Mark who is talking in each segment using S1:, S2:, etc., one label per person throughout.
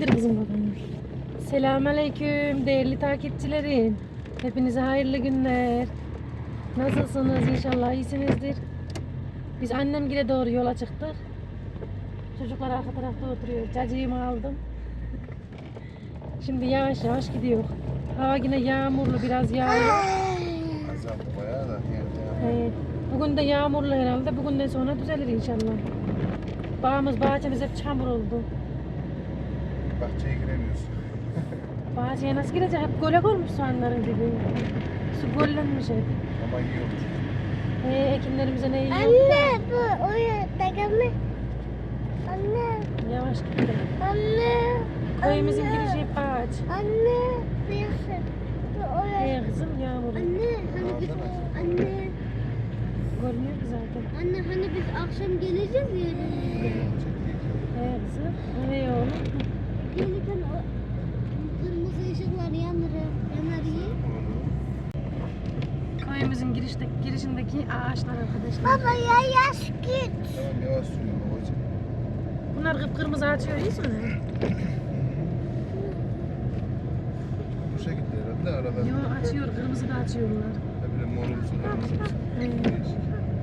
S1: İndir kızım bakalım. Selamünaleyküm değerli takipçilerim. Hepinize hayırlı günler. Nasılsınız? İnşallah iyisinizdir. Biz annemgile doğru yola çıktık. Çocuklar arka tarafta oturuyor. Cacığımı aldım. Şimdi yavaş yavaş gidiyor. Hava yine yağmurlu, biraz yağıyor.
S2: Azap bayağı da
S1: Bugün de yağmurlu herhalde. Bugünden sonra düzelir inşallah. Bağımız, bahçemiz hep çamur oldu.
S2: bahçeye giremiyorsun.
S1: Bahçeye nasıl girecek? Hep gölek olmuş soğanların dibi. Su göllenmiş hep.
S2: Ama iyi olur.
S1: Ekinlerimize ne yiyor?
S3: Anne bu oyun takımı. Anne.
S1: Yavaş gidelim.
S3: Anne.
S1: Köyümüzün
S3: Anne.
S1: girişi hep ağaç.
S3: Anne. Birisi. Bu oyun.
S1: Kızım yağmur.
S3: Anne hani biz anne.
S1: Görünüyor ki zaten.
S3: Anne hani biz akşam geleceğiz ya.
S1: Kızım. Oğlum.
S3: Gelirken o kırmızı ışıklar yanar iyi.
S1: Köyümüzün girişindeki ağaçlar arkadaşlar.
S3: Baba ya yaş git.
S2: Tamam yavaş sürüyorum babacığım.
S1: Bunlar kıpkırmızı açıyor, iyi mi?
S2: Bu şekilde herhalde arada.
S1: Yo, açıyor, kırmızı da açıyorlar.
S2: Böyle morumsu kırmızı. Değişik.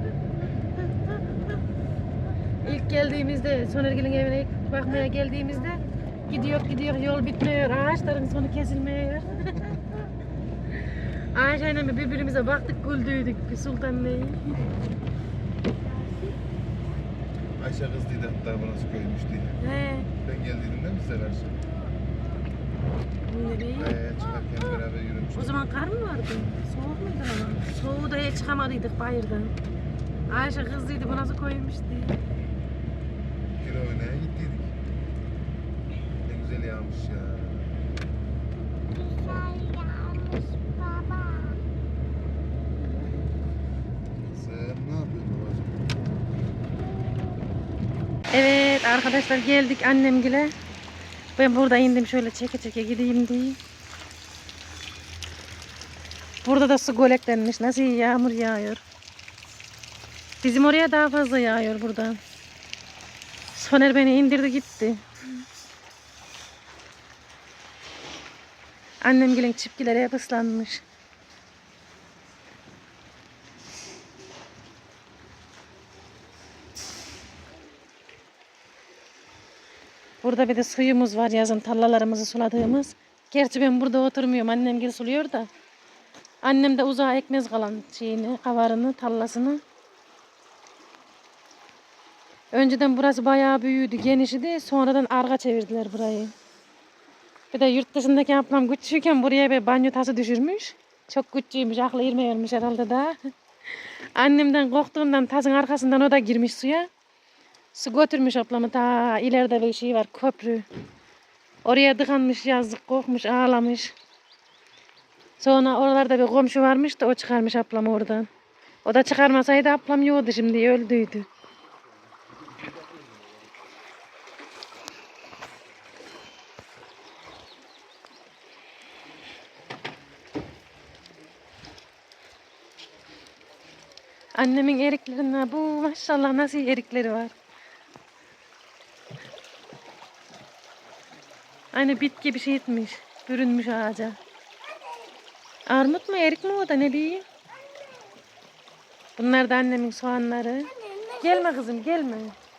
S1: İlk geldiğimizde, Sonergil'in evine ilk bakmaya geldiğimizde gidiyor, yol bitmiyor, ağaçların sonu kesilmiyor. Ayşe'yle birbirimize baktık, güldüydük Sultan'la.
S2: Ayşe kızdıydı hatta burası köymüş diye.
S1: He.
S2: Ben geldiğimde mi size karşı? Çıkarken beraber yürümüştük.
S1: O zaman kar mı vardı? Soğuk muydu ama? Soğuğu da hiç çıkamadıydık bayırdan. Ayşe kızdıydı, bu nasıl koymuş diye.
S2: Kira oynaya gittiydik. Ne güzel yağmış ya.
S3: Güzel yağmış baba.
S2: Sen ne yapıyorsun babacığım?
S1: Evet arkadaşlar, geldik annemgile. Ben burada indim, şöyle çeke çeke gideyim diye. Burada da su göleklenmiş. Nasıl yağmur yağıyor. Bizim oraya daha fazla yağıyor buradan. Soner beni indirdi gitti. Annemgilin çipkileri hep ıslanmış. Burada bir de suyumuz var, yazın tarlalarımızı suladığımız. Gerçi ben burada oturmuyorum, annemgil suluyor da. Annem de uzağa ekmez kalan şeyini, kavarını, tarlasını. Önceden burası bayağı büyüdü, genişti. Sonradan arka çevirdiler burayı. Bir de yurt dışındaki ablam küçükken buraya bir banyo tası düşürmüş. Çok küçüğümüş, aklı ermiyormuş herhalde daha. Annemden korktuğundan tasın arkasından o da girmiş suya. Su götürmüş ablamı, ta ileride bir şey var, köprü. Oraya tıkanmış, yazık, korkmuş, ağlamış. Sonra oralarda bir komşu varmış da o çıkarmış ablamı oradan. O da çıkarmasaydı ablam yoktu, şimdi öldüydü. Annemin eriklerinden bu maşallah nasıl erikleri var. Aynı bit gibi şey etmiş, bürünmüş ağaca. Armut mu, erik mi o da, ne diyeyim? Bunlar da annemin soğanları. Gelme kızım, gelme.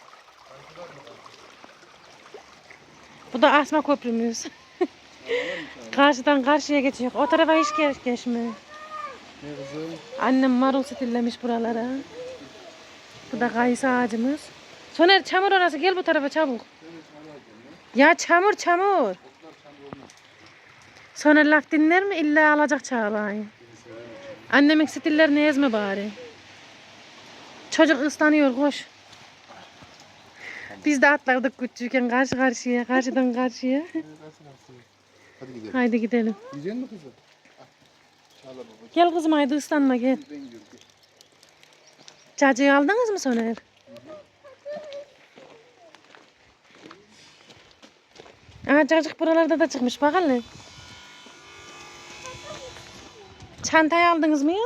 S1: Bu da asma köprümüz. Karşıdan karşıya geçiyor. O tarafa hiç geçme.
S2: Ne kızım?
S1: Annem marul stillemiş buralara. Bu da kayısı ağacımız. Soner, çamur orası, gel bu tarafa çabuk. Ya çamur. Soner laf dinler mi? İlla alacak Çağla'yı. Annemin stillerini ezme bari. Çocuk ıslanıyor, koş. Biz de atlardık küçükken karşıdan karşıya.
S2: Hadi gidelim.
S1: Haydi gidelim.
S2: Yiyecek misin kızım? Çağla babacığım.
S1: Gel kızım, haydi ıslanma, gel.
S2: Ben gidiyorum.
S1: Cacığı aldınız mı Soner? Aa, cacık buralarda da çıkmış, bak hele. Çantayı aldınız mı ya?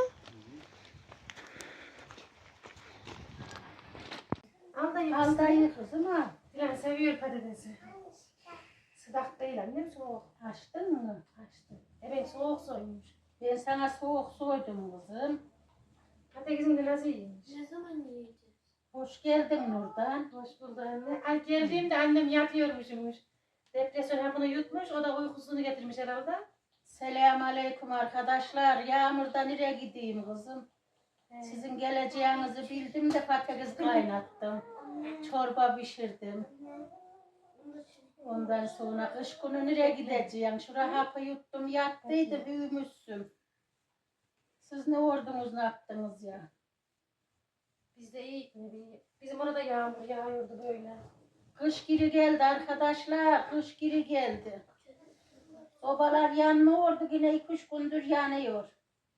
S1: Aldayım kızım ha. Dilan seviyor patatesi. Sıcak değil annem, soğuk.
S4: Açtın mı?
S1: Açtı. Ben soğuk soymuş.
S4: Ben sana soğuk soydum kızım.
S1: Patatesini de nasıl yiymiş?
S3: Ne zaman yiyeceğiz?
S4: Hoş geldin Nurdan.
S1: Hoş bulduk anne. Ay geldiğimde annem yatıyormuşmuş. Depresyon hapını yutmuş, o da uykusunu getirmiş herhalde.
S4: Selamun aleyküm arkadaşlar. Yağmurda nereye gideyim kızım? Sizin geleceğinizi bildim de patates kaynattım. Çorba pişirdim. Ondan sonra kış günü nereye gideceğim? Şuraya hapı yuttum yattıydı büyümüşsün. Siz ne ordunuz ne yaptınız ya?
S1: Biz de iyi gitmedi. Bizim orada yağmur yağıyordu böyle.
S4: Kış geri geldi arkadaşlar. Kış geri geldi. Sobalar yanmıyordu yine 2-3 gündür yanıyor.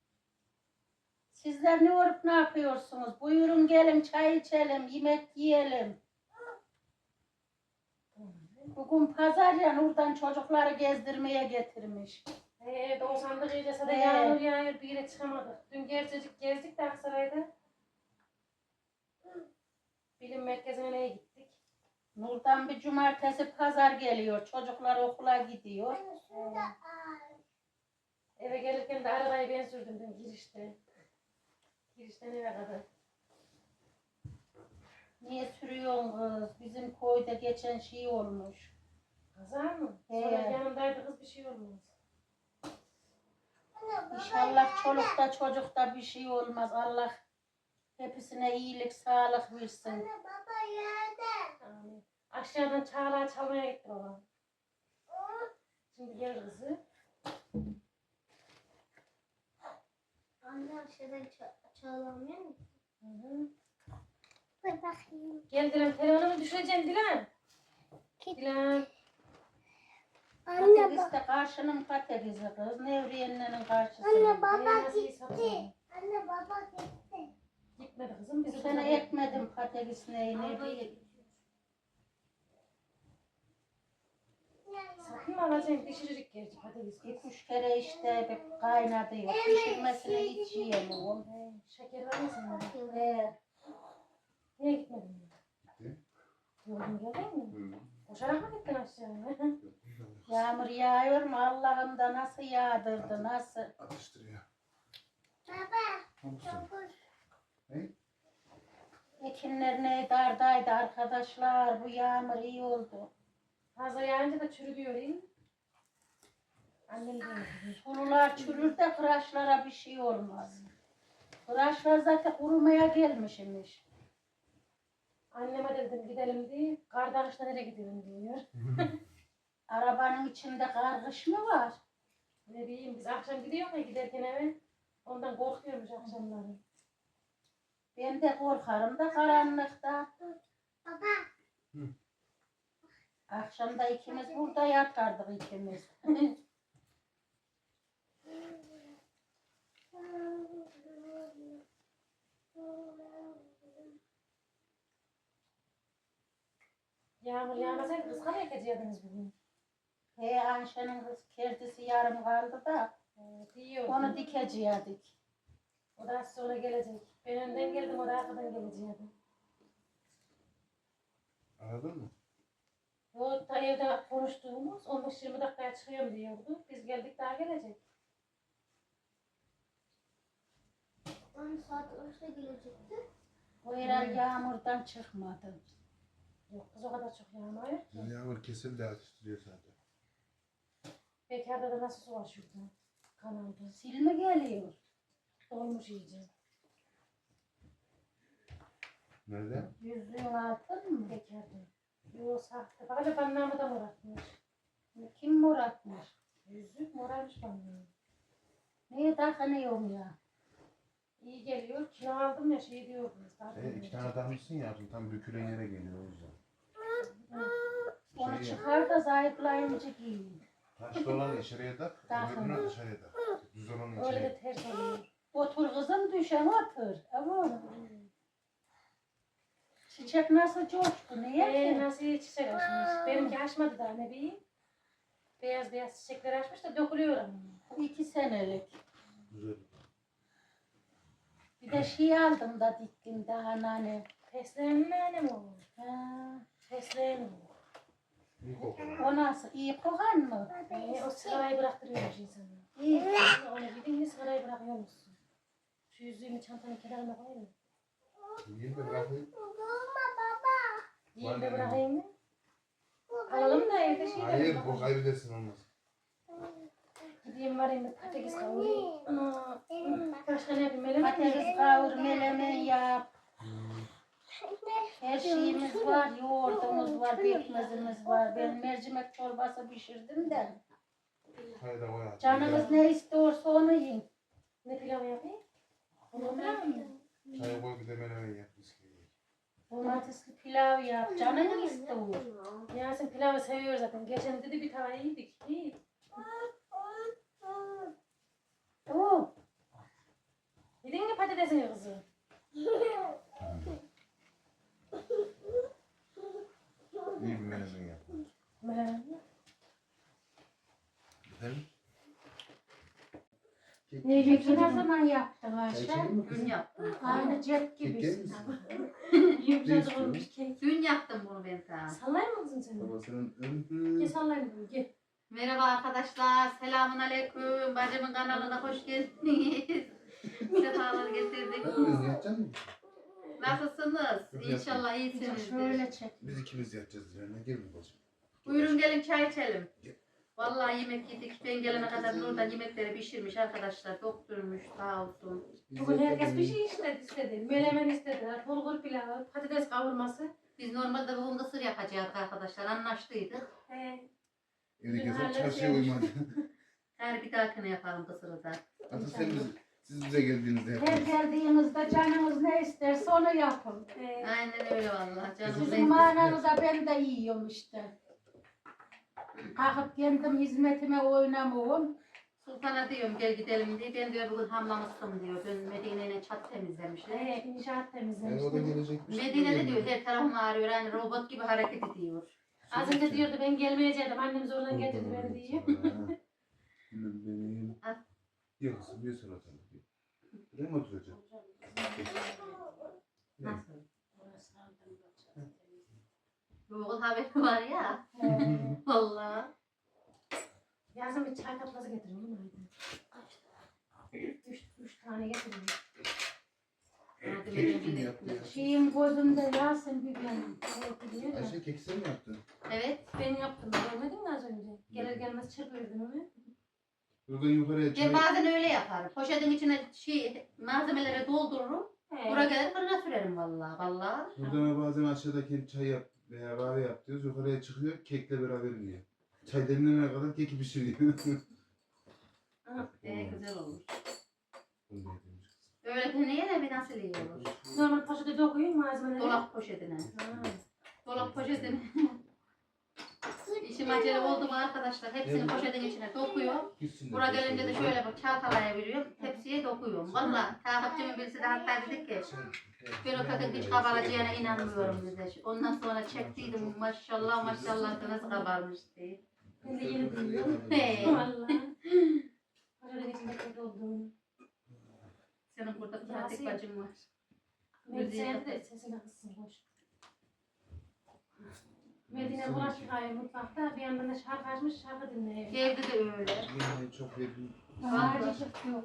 S4: Sizler ne olup ne yapıyorsunuz? Buyurun gelin çay içelim, yemek yiyelim. Bugün pazar ya Nurdan çocukları gezdirmeye getirmiş.
S1: Doğusandık iyice sada
S4: He.
S1: yağmur yağıyor, bir yere çıkamadık. Dün gerçecik gezdik de Aksaray'da. Bilim merkezine neye gittik?
S4: Nurdan bir cumartesi pazar geliyor. Çocuklar okula gidiyor.
S1: Eve gelirken de arabayı ben sürdüm dün girişte. Girişten eve kadar.
S4: Niye sürüyorsun kız? Bizim köyde geçen şey olmuş.
S1: Kaza mı?
S4: He.
S1: Sonra yanımdaydı kız, bir şey olmaz.
S4: İnşallah çolukta çocukta bir şey olmaz. Allah hepsine iyilik, sağlık versin.
S3: Baba yerde.
S1: Amin. Aşağıdan çağla çalmaya gitti babam. Şimdi gel kızı.
S3: Anne aşağıdan çağlamıyor mu?
S1: Hı hı.
S3: Dur bakayım.
S1: Gel Dilan, telefonumu düşüreceğim Dilan.
S3: Git.
S1: Dilan.
S3: Anne
S4: Patates de karşının patatesi kız. Nevriyenlerin karşısı.
S3: Anne baba
S1: nasıl
S3: gitti.
S1: satıyor?
S3: Anne baba gitti.
S1: Gitmedi kızım.
S4: Bu
S1: Bizi
S4: sene ekmedim patates neyini değil.
S1: Satın mı alacaksın? Pişirecek gerçi patates.
S4: 2-3 kere işte bir kaynadı yok. Pişirmesini hiç yiyemiyorum.
S1: Şeker var mı senin?
S4: He,
S1: Niye gitmedin?
S2: Ne?
S1: Yolun geldin mi? Koşarak mı gittin aşağıya?
S4: yağmur yağıyor mu? Allah'ım da nasıl yağdırdı, nasıl?
S2: Atıştırıyor.
S3: Baba.
S2: Hamursun.
S3: Dokuz.
S2: Ne?
S4: Ekinler ne dardaydı arkadaşlar. Bu yağmur iyi oldu.
S1: Fazla yağınca da çürüyor değil mi? Annem de öyle.
S4: Sulular çürür de kıraçlara bir şey olmaz. Kıraçlar zaten kurumaya gelmişmiş.
S1: Anneme dedim gidelim diye. Kardeşle nereye gidelim diyor.
S4: Arabanın içinde kargış mı var?
S1: Ne bileyim biz akşam gidiyor ya giderken eve. Ondan korkuyormuş akşamları.
S4: Ben de korkarım da karanlıkta.
S3: Baba.
S4: Akşamda ikimiz burada yatardık ikimiz.
S1: Yağmur yağmasaydı kız kana ekeceydiniz bugün.
S4: He Ayşe'nin kız kerdisi yarım kaldı da
S1: Diyor.
S4: onu dikecektik.
S1: O da az sonra gelecek. Ben önden geldim, o da arkadan gelecekti.
S2: Aradın mı?
S1: O da evde konuştuğumuz 15-20 dakikaya çıkıyorum diyordu. Biz geldik daha gelecek.
S3: 10 saat önce gelecekti.
S4: O herhal yağmurdan çıkmadı.
S1: Yok kız o kadar çok yağmıyor ki.
S2: Yağmur kesildi atıştırıyor zaten.
S1: Bekarda da nasıl su var şurada? Kanalda.
S4: Sil mi geliyor?
S1: Dolmuş iyice.
S2: Nerede?
S4: Yüzüğün altın mı?
S1: Bekarda. Yok sahte. Bak hele bannamı da moratmış.
S4: Kim moratmış?
S1: Yüzük morarmış bannamı.
S4: Niye takınıyorum ya?
S1: İyi geliyor. Kilo aldım ya şey diyordunuz.
S2: İki tane takmışsın ya tam bükülen yere geliyor o yüzden.
S4: Onu
S2: Şey-
S4: çıkar da zayıflayınca giyin.
S2: Taşlı olanı içeriye tak,
S4: Takın.
S2: öbürünü dışarıya tak. Düz olanı
S1: Öyle
S2: içeriye.
S1: de ters oluyor.
S4: Otur kızım düşen otur. Ama çiçek nasıl coştu? Niye ki?
S1: Nasıl çiçek açmış? Benimki açmadı daha ne bileyim. Beyaz beyaz çiçekler açmış da dökülüyor ama.
S4: 2 senelik.
S2: Güzel.
S4: Bir de şey aldım da diktim daha nane.
S1: Fesleğen mi annem o?
S4: Ha,
S1: Fesleğen o.
S2: İyi kokar.
S4: O nasıl? İyi kokan mı?
S1: O sigarayı bıraktırıyormuş insanı.
S4: İyi.
S1: Onu gidin mi sigarayı bırakıyormuşsun. Şu yüzüğümü çantanın kenarına koyayım mı?
S2: Yiyeyim de bırakayım.
S1: Yiyeyim de bırakayım mı? Alalım da evde şey
S2: Hayır
S1: yapalım.
S2: bu kaybedersin olmaz.
S1: Gideyim varayım da patates kavurayım. Ana. Başka ne yapayım? Melemen mi
S4: Patates
S1: yapayım?
S4: kavur, melemen yap. Her şeyimiz var. Yoğurdumuz var, pekmezimiz var. Ben mercimek çorbası pişirdim de.
S2: Hayır da koy.
S4: Canınız ne istiyorsa onu yiyin.
S1: Ne pilav yapayım? Onu pilav mı?
S2: Çay koy bir de menemen yap. Bisküvi.
S4: Domatesli pilav yap. Canın ne istiyor?
S1: Yasin pilavı seviyor zaten. Geçen dedi bir tava yedik. İyi.
S4: Oo.
S1: Yedin mi patatesini kızım?
S2: İyi bir menemen yap.
S1: Melemen mi?
S2: Efendim?
S1: Ne
S4: Keki ne
S1: yiyeceksin?
S4: zaman yaptın
S2: Çay
S4: Ayşe?
S2: içelim mi kızım?
S5: Dün yaptım.
S4: Aynı cep
S2: Kek yer
S4: gibisin.
S2: misin?
S1: Yumuşacık olmuş kek.
S5: Dün yaptım bunu ben sana.
S1: Sallayayım mı kızım seni?
S2: Babasının
S1: Gel sallayayım bunu gel.
S5: Merhaba arkadaşlar. Selamun aleyküm. Bacımın kanalına hoş geldiniz. Sefalar getirdik.
S2: Biz yatacak mıyız?
S5: Nasılsınız? İnşallah
S4: Bir de
S5: iyisinizdir.
S4: şöyle çek.
S2: Biz ikimiz yatacağız Diren'le. Gel mi bacım?
S5: Buyurun gelin çay içelim. Vallahi yemek yedik. Ben gelene kadar Nur'dan yemekleri pişirmiş arkadaşlar. Doktormuş sağ olsun.
S1: Bugün herkes bir şey istedi. Melemen istediler. Bulgur pilavı, patates kavurması.
S5: Biz normalde bugün kısır yapacağız arkadaşlar. Anlaştıydık.
S2: Evde
S1: Dün
S2: keser çarşıya
S1: halledeceğiz.
S2: uymadı.
S5: Her bir dahakine yapalım kısırı da.
S2: Hatta siz bize geldiğinizde
S4: Her
S2: yaparız.
S4: geldiğinizde canınız ne isterse onu yapın.
S5: Aynen öyle vallahi. Canım
S4: Sizin
S5: benim.
S4: mananıza ben de yiyorum işte. Kalkıp kendim hizmetime oynamıyorum.
S5: Sultan'a diyorum gel gidelim diye. Ben diyor bugün hamlamıştım diyor. Ben Medine'yle çat temizlemişler.
S1: İnşaat
S2: Yani
S1: temizlemiş.
S2: o da gelecekmiş.
S5: Medine'de diyor her tarafım ağrıyor. Yani robot gibi hareket ediyor.
S1: Az önce diyordu ben gelmeyecektim. Annem zorla getirdi beni diye.
S2: Benim.
S5: Al.
S2: Yok kızım bir sonra oturalım. Buraya mı oturacağım? Ne?
S5: Nasıl? Google haberi var ya. Vallahi.
S1: Yazın bir çay tablası getirin değil mi? Üç tane getirin.
S5: Yardım
S2: Kek
S5: edin
S2: kim
S5: bir-
S2: yaptı ya?
S4: Şeyin gözünde Yasin bir benim.
S1: Evet biliyor ya.
S2: Ayşe keki sen mi yaptın?
S5: Evet.
S1: Ben yaptım. Görmedin mi az önce? Gelir gelmez çırpıyordun onu.
S2: Buradan yukarıya çay...
S5: Ben bazen öyle yaparım. Poşetin içine malzemelere doldururum. Buraya gelir fırına sürerim vallahi. Vallahi.
S2: Buradan bazen aşağıdaki çay yap veya kahve yap diyoruz. Yukarıya çıkıyor kekle beraber yiyor. Çay demlenene kadar keki pişiriyor.
S5: Güzel olur.
S2: Bunu da yedirmiş kızım.
S5: Öyle deneye bir nasıl iyi olur.
S1: Normal poşete dokuyun malzemeleri.
S5: Dolap poşetine.
S1: Ha.
S5: Dolap poşetine. İşim acele oldu mu arkadaşlar hepsini poşetin içine dokuyor.
S2: Gitsin de
S5: Buraya
S2: boş
S5: gelince de
S2: ver.
S5: şöyle bak çalkalayabiliyorum. Tepsiye dokuyorum. Valla takipçimin birisi de hatta dedi ki ben o kadın hiç kabaracağına inanmıyorum dedi. Ondan sonra çektiydim maşallah maşallah da nasıl kabarmış diye.
S1: Ben de yeni duyuyorum.
S5: He.
S1: Vallahi. Poşetin içinde kötü olduğunu.
S5: Senin burada pratik bacın var.
S1: Medine de sesini kıssın boş. Medine bulaşık yıkıyor mutfakta. Bir yandan da şarkı açmış şarkı dinliyor.
S5: Evde de öyle.
S2: Yemeği çok yedim.
S4: Acıcık yok.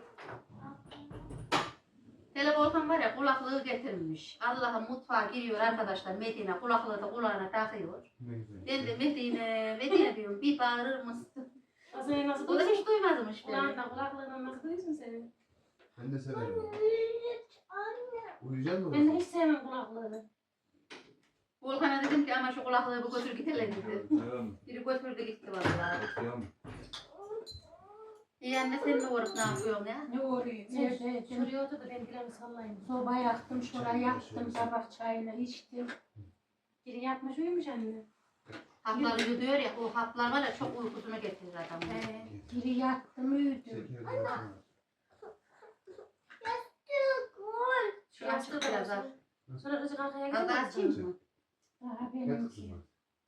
S5: Hele Volkan var ya kulaklığı getirmiş. Allah'ım mutfağa giriyor arkadaşlar Medine kulaklığı da kulağına takıyor.
S2: Ne güzel.
S5: Ben de Medine diyorum bir bağırır mısın?
S1: Az önce nasıl
S5: O da
S1: duyuyorsun?
S5: hiç duymazmış beni.
S1: Kulağından kulaklığından nasıl duyuyorsun seni?
S2: Ben de severim. Uyuyacak mısın?
S1: Ben de hiç sevmem kulaklığı.
S5: Volkan'a dedim ki ama şu kulaklığı bir götür gidelim dedi.
S2: Tamam.
S5: Biri götürdü gitti vallahi.
S2: Tamam.
S5: İyi anne sen ne uğrap ne yapıyorsun ya?
S4: Ne oluyor?
S1: Sen
S4: Nerede?
S1: şuraya otur da ben bileğimi sallayayım.
S4: Soba yaktım, şuraya yaktım, sabah çayını içtim.
S1: Biri yatmış uyumuş anne.
S5: Hapları yuduyor ya o haplar var ya çok uykusunu getirir adamı.
S4: Biri yattım, uyudum.
S2: Şeker de var.
S5: Şu açık biraz az.
S1: Sonra kızı kalkaya
S5: Az daha açayım mı?
S4: Daha
S2: Yat
S4: benimki.
S2: kızım bak.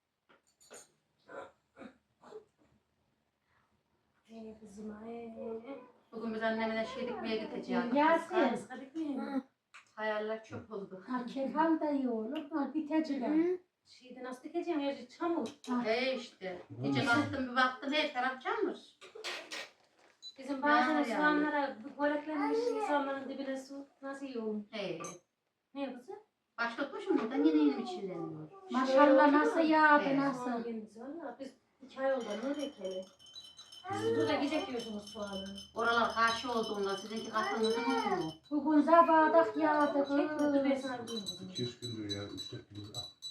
S1: Kızım
S5: Bugün biz annemle şey dikmeye gideceğiz.
S4: Yasin.
S1: Kıskadık mı?
S5: Hayaller çöp oldu.
S4: Ha, kek al da iyi olur. Ha, bitecek.
S1: Şeyde nasıl dikeceğim? Her şey çamur.
S5: İşte. Gece kalktım bir baktım her taraf çamur.
S1: Bizim bazen
S5: Yani.
S1: soğanlara göreklenmiş insanların dibine su nasıl iyi olur?
S5: He.
S1: Ne kızı?
S5: Başlatmışım buradan yine yeni içileniyor.
S4: Maşallah nasıl yağdı
S5: Evet.
S4: nasıl.
S1: Soğan kendisi valla. Biz 2 ay oldu. Ne bekleyelim? Siz burada gidecek yiyorsunuz soğanı.
S5: Oralar karşı olduğunda sizinki kapınızın mu?
S4: Bugün zabadak yağdı.
S1: Çekme dur ben sana diyeyim kızım.
S2: 2-3 gündür ya. 3-4 gündür.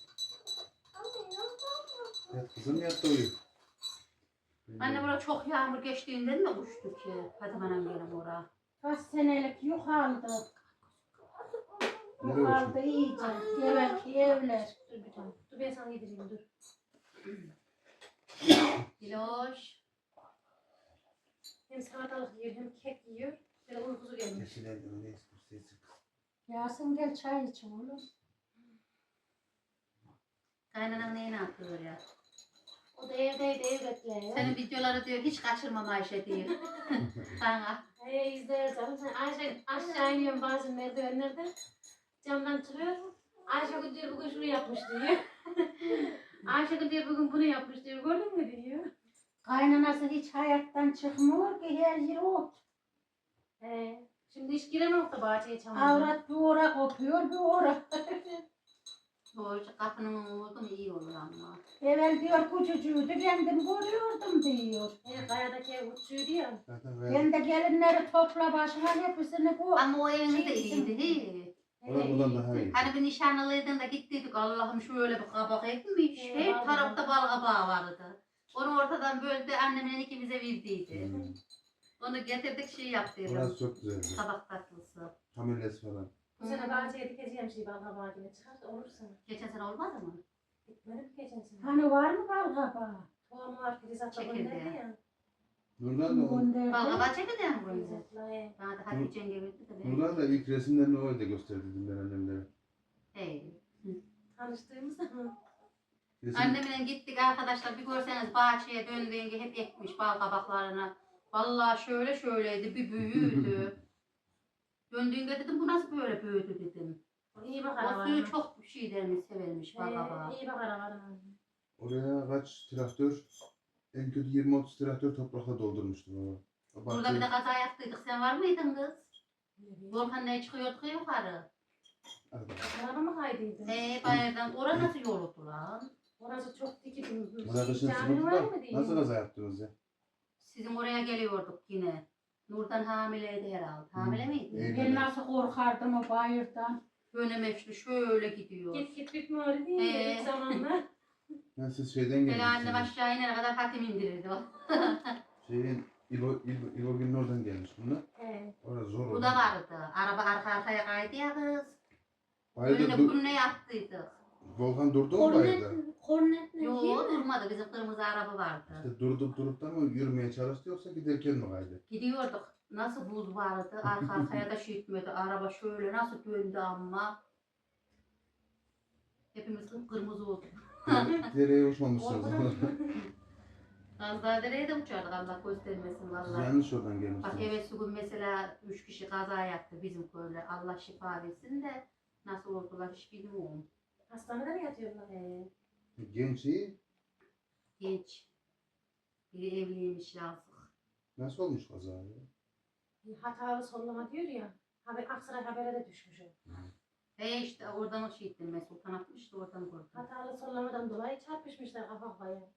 S2: Yat kızım yat da uyu.
S5: Anne bura çok yağmur geçtiğinden mi uçtu ki? Hadi bana gelin oraya.
S4: Kaç senelik yük aldı. Yük
S2: Nereye
S4: aldı
S2: uçtun?
S4: iyice. Evvelki evler.
S1: Dur bir tane. Dur ben sana yedireyim dur.
S5: Diloş.
S1: Hem salatalık yiyor hem kek yiyor. Böyle uykusu gelmiş.
S2: Yeşil elden ne istiyorsun?
S4: Yasin gel çay iç oğlum.
S5: Kaynanan neyini atıyor ya?
S1: O da evdeydi ev bekliyor.
S5: Senin videoları diyor hiç kaçırmam Ayşe diyor. Bana.
S1: İzleriz canım. Sen Ayşe aşağı iniyorum bazen merdivenlerde. Camdan çıkıyor. Ayşe diyor bugün şunu yapmış diyor. Ayşe diyor bugün bunu yapmış diyor. Gördün mü diyor.
S4: Kaynanası hiç hayattan çıkmıyor ki her yer ot.
S1: Şimdi hiç giremem da bahçeye çamurda.
S4: Avrat bir ora kopuyor bir ora.
S5: Doğru kapının oldu mu iyi olur ama.
S4: Evvel diyor küçücüğüydü kendim görüyordum diyor.
S1: Kayadaki ev uçuyordu ya.
S2: Zaten
S4: Ben de gelinleri topla başına hepsini koy.
S5: Ama o eviniz de iyiydi. He.
S2: Orada buradan daha iyi.
S5: Hani bir nişanlıydın da gittiydik Allah'ım şöyle bir kabak ekmiş.
S1: He,
S5: Her
S1: vallahi.
S5: tarafta bal kabağı vardı. Onu ortadan böldü annemin ikimize verdiydi.
S2: Hmm.
S5: Onu getirdik şey yaptıydım.
S2: Orası çok güzeldi.
S5: Kabak tatlısı.
S2: Hamilesi falan.
S1: Bu sene bahçeye dikeceğim şey bal kabağına çıkar da olur sana.
S5: Geçen sene olmadı mı?
S1: Dikmedim ki geçen sene.
S4: Hani var mı bal kabağı?
S1: Tohumu var Filiz abla
S5: Çekildi
S1: gönderdi
S5: ya.
S1: ya.
S2: Nurdan da,
S4: Gönderdi.
S5: Bal kabağı çekeceğim
S1: Filiz
S5: bunu.
S1: abla
S5: Bana da Hatice yenge verdi de ben.
S2: Nurdan da ilk resimlerini o evde gösterdim ben annemlere.
S5: Hey.
S1: tanıştığımız zaman.
S2: Resim,
S5: Annemle gittik arkadaşlar bir görseniz bahçeye döndüğünde hep ekmiş bal kabaklarını. Vallahi şöyle şöyleydi bir büyüdü. Döndüğünde dedim bu nasıl böyle büyüdü dedim.
S1: İyi bakar
S5: O suyu
S1: var.
S5: çok şey dermiş severmiş bal kabağı.
S1: İyi bakar var.
S2: oraya kaç traktör, en kötü 20-30 traktör toprakla doldurmuştu baba. O
S5: Burada
S2: bahçeyi-
S5: bir de kaza yaptıydık sen var mıydın kız? Volkan ne çıkıyorduk ya yukarı.
S2: Arada.
S1: Araba mı kaydıydı?
S5: Bayırdan orası nasıl yoldu lan?
S1: Orası çok dikildi.
S2: Orada kışın
S1: Cami var
S2: sıkıntı
S1: mı
S2: da
S1: diye.
S2: nasıl kaza yaptınız ya?
S5: Sizin oraya geliyorduk yine. Nurdan hamileydi herhalde. Hamile miydi?
S2: Evet.
S4: Ben nasıl korkardım o bayırdan.
S5: Dönemeçli şöyle gidiyor.
S1: Git bitmiyor diye ilk zamanlar.
S2: Ben siz şeyden
S5: Böyle annem
S2: gelmişsiniz.
S5: aşağı inene kadar hatim indirirdi o.
S2: Şeyin, İbo Gül'ün oradan gelmiş bunlar. Orası zor.
S5: Bu da vardı. Araba arka arkaya kaydı ya kız.
S2: Bayırda
S5: Önüne bununla yattıydık.
S2: Volkan durdu mu bayırda?
S3: Kornet ne?
S5: Yok durmadı. Bizim kırmızı araba vardı.
S2: İşte durup da mı yürümeye çalıştı yoksa giderken mi kaydı?
S5: Gidiyorduk. Nasıl buz vardı. Arka arkaya da şey etmedi. Araba şöyle nasıl döndü ama. Hepimiz kırmızı olduk.
S2: Dereye uçmamışsınız.
S5: Az daha dereye de uçardık Allah göstermesin
S2: Siz
S5: vallahi.
S2: yanlış oradan
S5: Bak
S2: gelmişsiniz.
S5: evet bugün mesela 3 kişi kaza yaptı bizim köyde. Allah şifa versin de nasıl oldular hiç bilmiyorum.
S1: Hastanede mi yatıyorlar?
S2: Genç iyi.
S5: Genç. Biri evliymiş yazık.
S2: Nasıl olmuş kaza ya?
S1: Hatalı sollama diyor ya. Aksaray Haber'e de düşmüş o.
S5: İşte oradan şey ettim ben Sultan atmıştı oradan gördüm.
S1: Hatalı sollamadan dolayı çarpışmışlar kafa kafaya.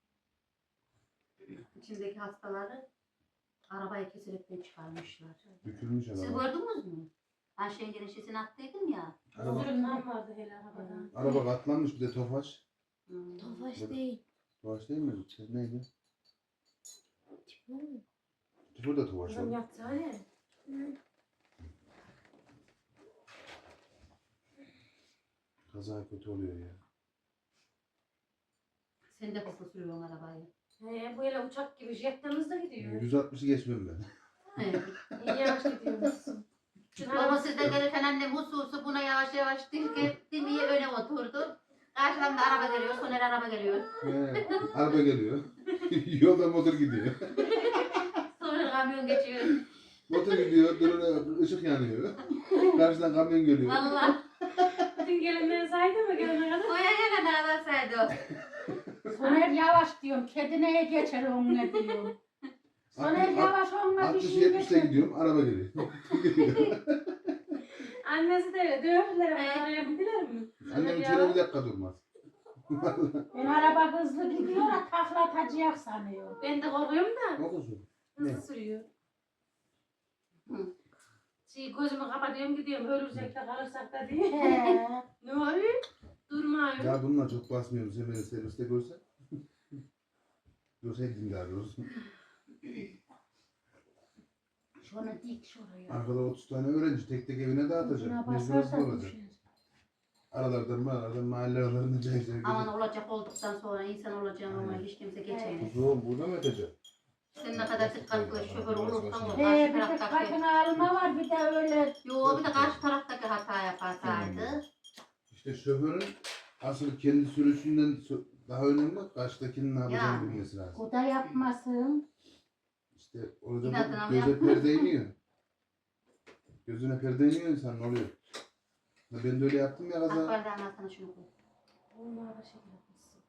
S5: İçindeki hastaları arabayı kesinlikle çıkarmışlar.
S2: Bükülmüş
S5: Siz
S2: araba.
S5: gördünüz mü? Ben Şengen'in şişini attıydım ya.
S2: Araba,
S1: Zırhından vardı hele arabada.
S2: araba katlanmış bir de Tofaş.
S5: Hmm.
S3: Tofaş değil.
S2: Tofaş değil mi? Şey neydi? Tıfır da Tofaş
S1: Kızım
S2: oldu.
S1: yatsana ne?
S2: Kaza kötü oluyor ya.
S5: Sen de hızlı sürüyorsun arabayı.
S1: Bu hele uçak gibi jetten hızlı gidiyor.
S2: 160'ı geçmem ben.
S5: Evet.
S1: İyi yavaş gidiyormuşsun.
S5: Ama sizden gelirken annem hususu buna yavaş yavaş dinleye öne oturdu. Karşıdan da araba geliyor, Soner araba geliyor.
S2: Araba geliyor. Yolda motor gidiyor.
S5: Sonra kamyon geçiyor.
S2: Motor gidiyor, duruna ışık yanıyor. Karşıdan kamyon geliyor.
S5: Vallahi
S1: Bugün gelenleri saydı mı gelene kadar?
S5: Koya gelen ağlar saydı o.
S4: Soner yavaş diyorum. Kedi neye geçer onunla diyorum. Soner yavaş onunla bir şey
S2: 60-70'le
S4: geçer.
S2: gidiyorum. Araba geliyor.
S1: Annesi de öyle dövdüler ama arayabildiler mi?
S2: Annem içeri bir dakika durmaz.
S4: Ben araba hızlı gidiyor da takla atacak sanıyor.
S1: Ben de korkuyorum da
S2: Okusun.
S1: hızlı
S2: Ne?
S1: sürüyor.
S5: Hı.
S1: Gözümü kapatıyorum gidiyorum ölürsek de kalırsak da diye.
S4: He.
S1: Ne oluyor? Durmuyor.
S2: Ya bununla çok basmıyorum. Sen beni serviste görsen. Görseydin daha doğrusu.
S4: Şunu dik şuraya.
S2: Arkada 30 tane öğrenci tek tek evine dağıtacak.
S4: Buna
S2: Mecburiyet
S4: basarsa
S2: olacak.
S4: düşer.
S2: Aralardan mahalle aralarında çay içer
S5: Aman
S2: gidecek.
S5: olacak olduktan sonra insan olacağım ama hiç kimse geçemez.
S2: Kuzum burada mı ötecek?
S5: Sen ne kadar dikkatli şoför olursan ol.
S4: He
S5: Karşı
S4: bir de
S5: taraftaki.
S4: katına alma var bir de öyle.
S5: Yo bir de karşı taraftaki hata yaparsaydı.
S2: İşte şoförün asıl kendi sürüşünden daha önemli karşıdakinin ne yapacağını
S5: Yani.
S2: bilmesi lazım.
S4: O da yapmasın.
S2: İşte orada
S5: İnadına mı
S2: göze
S5: yapma?
S2: perde iniyor. Gözüne perde iniyor insan ne oluyor? Ya ben de öyle yaptım ya kaza.
S5: Akbardan altına şunu koy.
S1: Onlar da şey yapmışsın.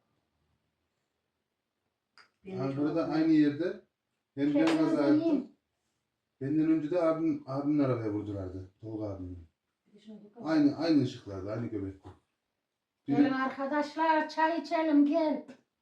S5: Benim
S2: Ankara'da
S5: çok-
S2: aynı yerde hem ben kaza
S4: Kendinize
S2: yaptım.
S4: yiyin.
S2: Benden önce de abimin arabaya vurdulardı. Tolga abimin.
S1: Bir de şunu dikkat.
S2: Aynı ışıklarda, aynı göbekte.
S4: Gelin arkadaşlar çay içelim gel.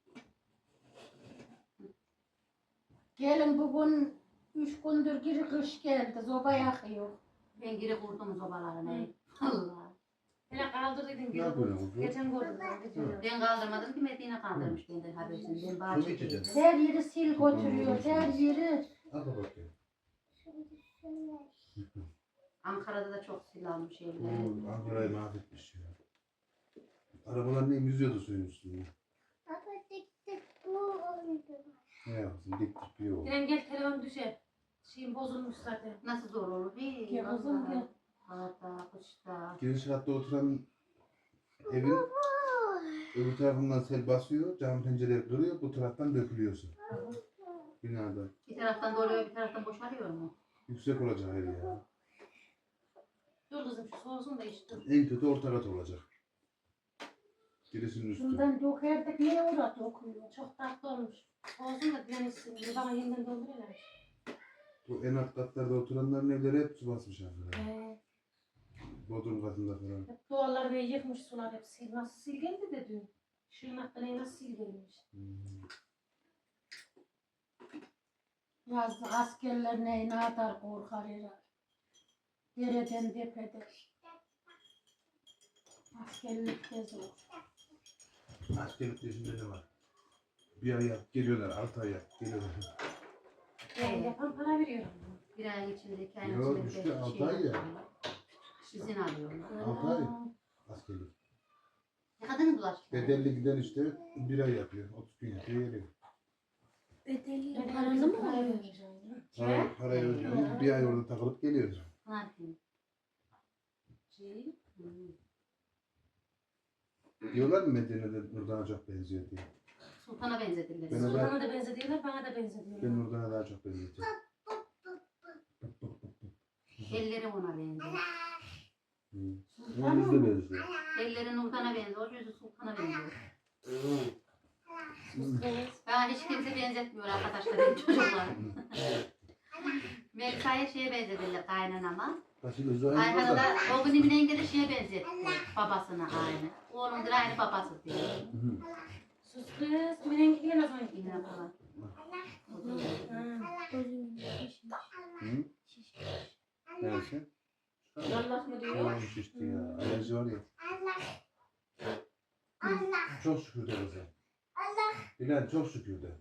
S4: Gelin bugün 3 gündür geri kış geldi. Zoba yakıyor.
S5: Ben geri kurdum sobalarını. Allah.
S1: Hele kaldırdıydın
S2: Ne
S1: gibi.
S2: yapıyorsun kuzum?
S1: Geçen gördüm ben videoyu.
S5: Ben kaldırmadım ki Medine kaldırmış benden habersiz. Ben
S2: Su mu
S5: bahçedeydim.
S2: içeceksin?
S4: Her yeri sil götürüyor. Her yeri.
S2: Al bakayım.
S3: Şimdi şöyle.
S5: Ankara'da da çok silah şeyler.
S2: Oo, Ankara'yı mahvetmiş ya. Arabalar ne yüzüyordu suyun üstünde.
S3: Baba dik dik bu oldu.
S2: Ne yapsın dik dik bir yol.
S1: İrem gel telefon düşer. Şeyim bozulmuş zaten.
S5: Nasıl zor olur? Bir
S4: Gel kızım, gel.
S5: Havada, kışta.
S2: Giriş katta oturan evin öbür tarafından sel basıyor, cam pencereleri kırıyor, bu taraftan dökülüyor su. Binada.
S5: Bir taraftan doluyor, bir taraftan boşalıyor mu?
S2: Yüksek olacak her ya.
S1: Dur kızım şu soğusun da iç dur.
S2: En kötü orta kat olacak. Girişinin üstü.
S4: Şundan dökerdik niye orada dokuyor?
S1: Çok tatlı olmuş. Soğusun da direnişsin. Bir bana yeniden dolduruyorlar.
S2: Bu en alt katlarda oturanların evleri hep su basmış Ankara.
S1: He.
S2: Bodrum katında falan.
S1: Hep duvarları böyle yıkmış sular hep sil. Nasıl sil geldi de dün. Şunun hakkında nasıl sil gelmiş.
S4: Yazdık askerler ne kadar korkar herhalde. Dereden tepeden. Askerlik de zor.
S2: Askerlik yaşında ne var? Bir ay yap, geliyorlar, 6 ay yap, geliyorlar.
S1: Yani yapan para veriyor.
S5: Bir ay içinde, 2 ay
S2: Yo,
S5: içinde.
S2: işte
S5: belki
S2: altı
S5: şey
S2: ay ya.
S5: yapıyorlar. İzin alıyorlar.
S2: 6 ay askerlik.
S5: Ne kadar mı bulaştı?
S2: Bedelli giden işte bir ay yapıyor, 30 gün yapıyor, geliyor.
S3: Bedeli
S1: Paranı mı alıyor?
S2: Parayı ödüyor, bir ay orada takılıp geliyor.
S5: Ne yapayım?
S1: Şey.
S2: Diyorlar mı Medine'de Nurdan'a çok benziyor diye.
S5: Sultana benzetirler.
S2: Ben-
S1: Sultan'a da benzediyorlar, bana da benzediyorlar.
S2: Ben Nurdan'a daha çok benzetiyorum.
S5: Elleri ona benziyor.
S2: Onun yüzü de benziyor.
S5: Elleri Nurdan'a benziyor, yüzü Sultan'a benziyor.
S1: Sus kız.
S5: Bana hiç kimse benzetmiyor arkadaşlar benim çocuklarım. Melisa'ya şeye benzetirler kaynanama.
S2: Başı gözü aynı
S5: Ayhan'ı
S2: da.
S5: da o gün Emine de şeye benzetti. Babasına aynı. Oğlumdur aynı babası diyor.
S2: Hı.
S1: Sus kız. Mirengi gelemez onun gibi.
S5: Emine falan.
S2: Hı? Neresi?
S1: Allah mı diyor?
S2: Tamam şişti ya. Alerji var ya. Çok şükür de kızım. Bilal çok şükür de.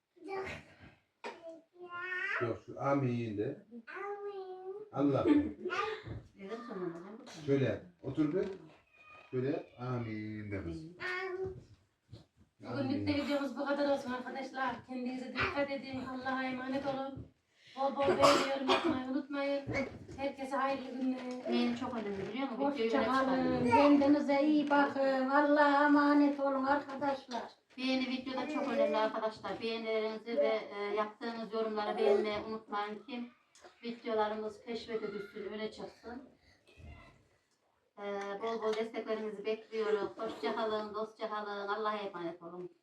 S2: Yok şu amin de. Allah.
S5: Dedim sonunda ne bu?
S2: Şöyle yap. Otur bir. Şöyle yap. Amin de kız.
S1: Bugünlük de videomuz bu kadar olsun arkadaşlar. Kendinize dikkat edin. Allah'a emanet olun. Bol bol beğeni yorum yapmayı unutmayın. Herkese hayırlı günler.
S5: Benim çok önemli biliyor musun? Videoyu
S4: Hoşça
S5: öyle
S4: kalın.
S5: çıkardım.
S4: Kendinize iyi bakın. Allah'a emanet olun arkadaşlar.
S5: Beğeni videoda çok önemli arkadaşlar. Beğenilerinizi ve yaptığınız yorumları beğenmeyi unutmayın ki videolarımız keşfete düşsün, öne çıksın. Bol bol desteklerinizi bekliyoruz. Hoşça kalın, dostça kalın. Allah'a emanet olun.